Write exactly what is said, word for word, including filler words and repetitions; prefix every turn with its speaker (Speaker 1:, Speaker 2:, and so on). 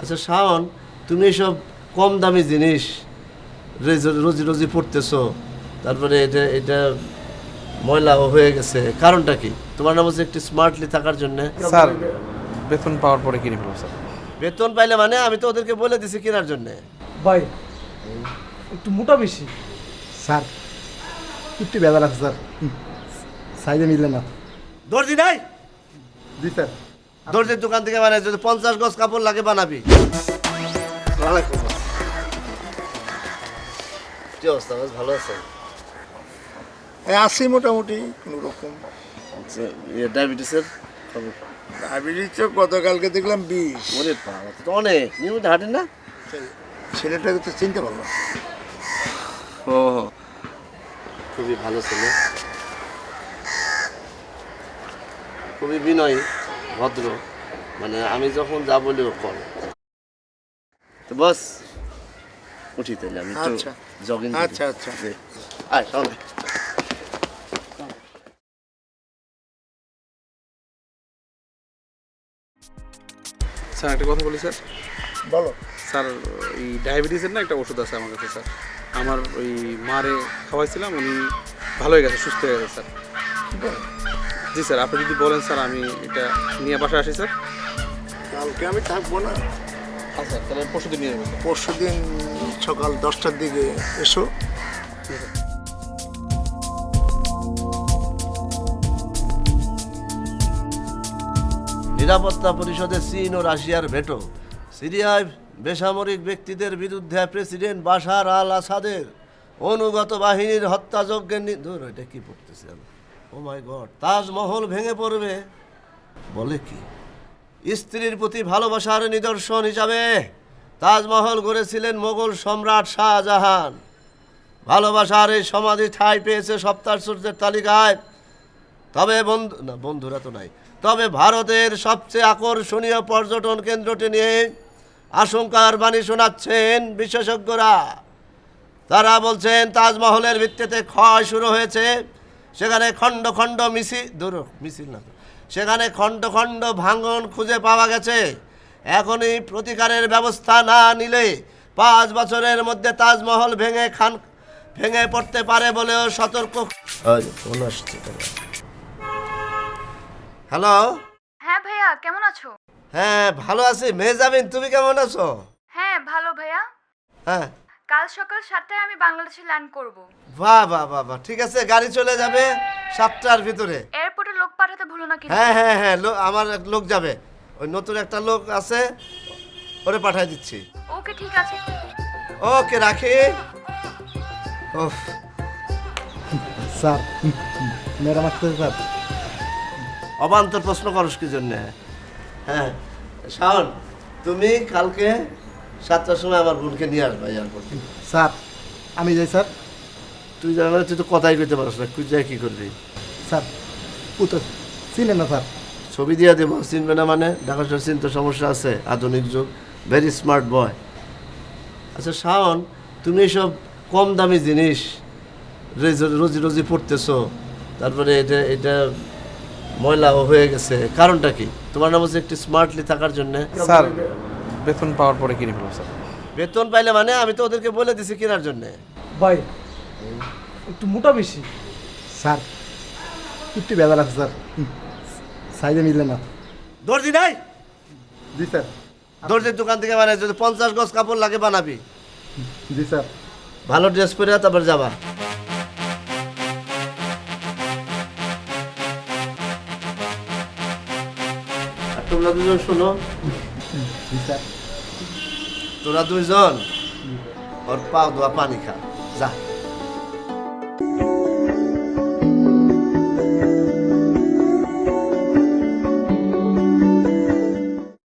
Speaker 1: আচ্ছা শাওন, তুমি এসব কম দামি জিনিস রোজি রোজি পড়তেছো, তারপরে এটা এটা ময়লাও হয়ে গেছে, কারণটা কি? তোমার নাম হচ্ছে একটু স্মার্টলি থাকার জন্য।
Speaker 2: স্যার বেতন পাওয়ার পরে কিনে ফেলবো স্যার।
Speaker 1: বেতন পাইলে মানে? আমি তো ওদেরকে বলে দিছি কেনার জন্য।
Speaker 3: ভাই একটু মোটা বেশি।
Speaker 4: স্যার একটু বেজার আছে স্যার, সাইজে মিললে না।
Speaker 1: দর্জি নাই?
Speaker 4: জি স্যার।
Speaker 1: দর্জির দোকান থেকে মানে যদি পঞ্চাশ গজ কাপড় লাগে বানাবি। কি অবস্থা? বেশ ভালো আছে?
Speaker 5: আছি মোটামুটি কোনো রকম।
Speaker 1: ডায়াবেটিসের খবর?
Speaker 5: ডায়াবেটিস তো গতকালকে দেখলাম বিষ।
Speaker 1: মনে পাওয়া তো অনেক নিয়মিত হাঁটেন না?
Speaker 5: ছেলেটাকে তো চিনতে পারলাম।
Speaker 1: ও খুবই ভালো ছেলে, খুবই বিনয়ী ভদ্র, মানে আমি যখন যা বলি ও করে। তো বস উঠি তাইলে, আমি একটু
Speaker 5: আচ্ছা
Speaker 1: জগিং।
Speaker 5: আচ্ছা আচ্ছা
Speaker 1: আয় সামনে।
Speaker 2: স্যার একটা কথা বলি স্যার।
Speaker 5: বলো।
Speaker 2: স্যার এই ডায়াবেটিসের না একটা ওষুধ আছে আমার কাছে স্যার। আমার ওই মারে খাওয়াইছিলাম, উনি ভালো হয়ে গেছে, সুস্থ হয়ে গেছে স্যার। জি স্যার, আপনি যদি বলেন স্যার আমি এটা নিয়ে বাসায় আসি স্যার।
Speaker 5: কালকে আমি থাকবো না,
Speaker 2: আচ্ছা তাহলে পরশু দিন নিয়ে যাবো স্যার।
Speaker 5: পরশু দিন সকাল দশটার দিকে এসো।
Speaker 1: নিরাপত্তা পরিষদে চীন ও রাশিয়ার ভেটো, সিরিয়ায় বেসামরিক ব্যক্তিদের বিরুদ্ধে প্রেসিডেন্ট বাশার আল আসাদের অনুগত বাহিনীর হত্যাযজ্ঞের নি- ধুর, এটা কি পড়তেছে আমি? ও মাই গড! তাজমহল ভেঙে পড়বে বলে কি? স্ত্রীর প্রতি ভালোবাসার নিদর্শন হিসাবে তাজমহল গড়েছিলেন মোগল সম্রাট শাহজাহান। ভালোবাসার এই সমাধি ঠাঁই পেয়েছে সপ্তাশ্চর্যের তালিকায়। তবে বন্ধু না, বন্ধুরা তো নাই। তবে ভারতের সবচেয়ে আকর্ষণীয় পর্যটন কেন্দ্রটি নিয়ে আশঙ্কার বাণী শোনাচ্ছেন বিশেষজ্ঞরা। তারা বলছেন তাজমহলের ভিত্তিতে ক্ষয় শুরু হয়েছে, সেখানে খণ্ড খণ্ড মিছিল দূর মিছিল না সেখানে খণ্ড খণ্ড ভাঙন খুঁজে পাওয়া গেছে। এখনই প্রতিকারের ব্যবস্থা না নিলে পাঁচ বছরের মধ্যে তাজমহল ভেঙে খান ভেঙে পড়তে পারে বলেও সতর্ক। হ্যালো।
Speaker 6: হ্যাঁ ভাইয়া, কেমন আছো?
Speaker 1: হ্যাঁ ভালো আছি মেহজাবিন, তুমি কেমন আছো?
Speaker 6: হ্যাঁ ভালো ভাইয়া।
Speaker 1: হ্যাঁ
Speaker 6: কাল সকাল সাতটায় আমি বাংলাদেশে ল্যান্ড করব।
Speaker 1: বাহ বাহ বাহ বাহ, ঠিক আছে, গাড়ি চলে যাবে সাতটার ভিতরে।
Speaker 6: এয়ারপোর্টে লোক পাঠাতে ভুলো না কিন্তু।
Speaker 1: হ্যাঁ হ্যাঁ হ্যাঁ, লো- আমার এক লোক যাবে, ওই নতুন একটা লোক আছে, ওরে পাঠিয়ে দিচ্ছি।
Speaker 6: ওকে ঠিক আছে।
Speaker 1: ওকে রাখি। ওহ,
Speaker 4: স্যার ম্যাডাম আসতে স্যার।
Speaker 1: অবান্তর প্রশ্ন করস কি জন্যে? হ্যাঁ শাওন, তুমি কালকে সাতটার সময় আমার বোনকে নিয়ে আসবা এয়ারপোর্টে।
Speaker 4: স্যার আমি যাই স্যার।
Speaker 1: তুই জানা তুই তো কথাই কইতে পারস না, তুই যাই কি করবি?
Speaker 4: স্যার ও তো চিনেন না স্যার।
Speaker 1: ছবি দিয়ে দেবো, চিনবে না মানে? ঢাকা শহর চিনতে সমস্যা আছে, আধুনিক যুগ, ভেরি স্মার্ট বয়। আচ্ছা শাওন, তুমি এসব কম দামি জিনিস রোজি- রোজি রোজি পড়তেছো, তারপরে এটা এটা ময়লাও হয়ে গেছে, কারণটা কি? তোমার নাম হচ্ছে একটু স্মার্টলি থাকার জন্য।
Speaker 2: স্যার বেতন পাওয়ার পরে কিনে ফেলবো স্যার।
Speaker 1: বেতন পাইলে মানে? আমি তো ওদেরকে বলে দিছি কেনার জন্য।
Speaker 3: ভাই একটু মোটা বেশি।
Speaker 4: স্যার একটু বেজার আছে স্যার, সাইজে মিললে না।
Speaker 1: দর্জি নাই?
Speaker 4: জি স্যার।
Speaker 1: দর্জির দোকান থেকে মানে যদি পঞ্চাশ গজ কাপড় লাগে বানাবি।
Speaker 4: জি স্যার।
Speaker 1: ভালো ড্রেস পরে তারপর যাবা। আর তোমরা দুজন শোনো,
Speaker 4: জি স্যার।
Speaker 1: তোরা দুইজন ওর পা ধোয়া পানি খা, যা।